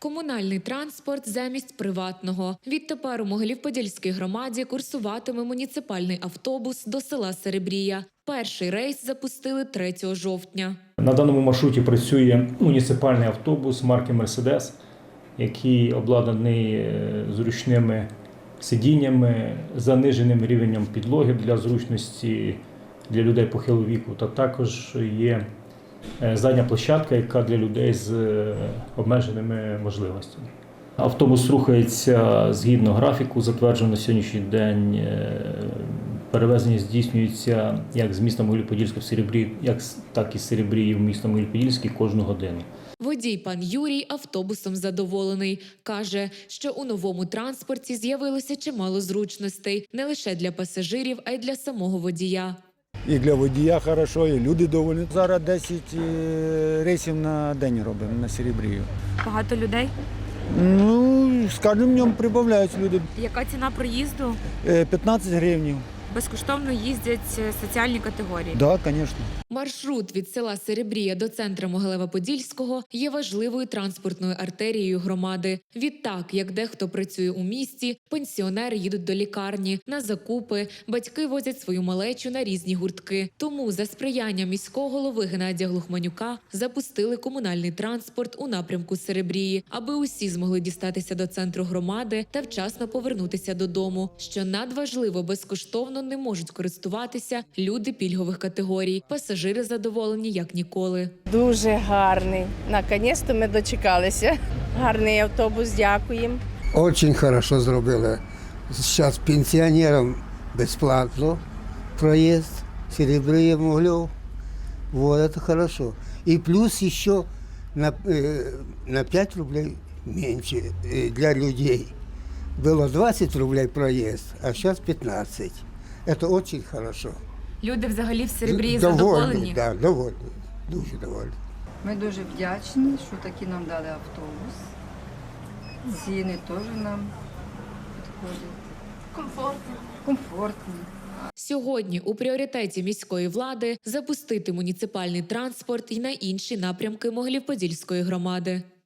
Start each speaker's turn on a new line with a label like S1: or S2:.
S1: Комунальний транспорт замість приватного. Відтепер у Могилів-Подільській громаді курсуватиме муніципальний автобус до села Серебрія. Перший рейс запустили 3 жовтня.
S2: На даному маршруті працює муніципальний автобус марки «Мерседес», який обладнаний зручними сидіннями, заниженим рівнем підлоги для зручності для людей похилого віку. Та також є задня площадка, яка для людей з обмеженими можливостями. Автобус рухається згідно графіку, затверджено на сьогоднішній день. Перевезення здійснюється як з міста Могилів-Подільського в Серебрі, так і з Серебрії в місто Могилів-Подільський кожну годину.
S1: Водій пан Юрій автобусом задоволений. Каже, що у новому транспорті з'явилося чимало зручностей. Не лише для пасажирів, а й для самого водія.
S3: І для водія хорошо, і люди доволі. Зараз 10 рейсів на день робимо на Серебрію.
S4: Багато людей?
S3: Ну, з кожним днем прибавляють люди.
S4: Яка ціна проїзду?
S3: 15 гривень.
S4: Безкоштовно їздять соціальні категорії?
S3: Так, звісно.
S1: Маршрут від села Серебрія до центру Могилева-Подільського є важливою транспортною артерією громади. Відтак, як дехто працює у місті, пенсіонери їдуть до лікарні, на закупи, батьки возять свою малечу на різні гуртки. Тому за сприяння міського голови Геннадія Глухманюка запустили комунальний транспорт у напрямку Серебрії, аби усі змогли дістатися до центру громади та вчасно повернутися додому. Що надважливо, безкоштовно не можуть користуватися люди пільгових категорій. Пасажири задоволені як ніколи.
S5: Дуже гарний. Наконець-то ми дочекалися. Гарний автобус, дякуємо.
S6: Очень хорошо зробили. Зараз пенсіонерам безплатно проїзд, Серебрія, Могилів. Вот, это хорошо. И плюс еще на 5 рублей меньше для людей. Было 20 рублей проезд, а сейчас 15. Это очень хорошо.
S4: Люди взагалі в Серебрії
S6: Довольні,
S4: задоволені?
S6: да, довольні, дуже довольні.
S7: Ми дуже вдячні, що такі нам дали автобус. Ціни теж нам підходять. Комфортні.
S1: Сьогодні у пріоритеті міської влади запустити муніципальний транспорт і на інші напрямки Могилів-Подільської громади.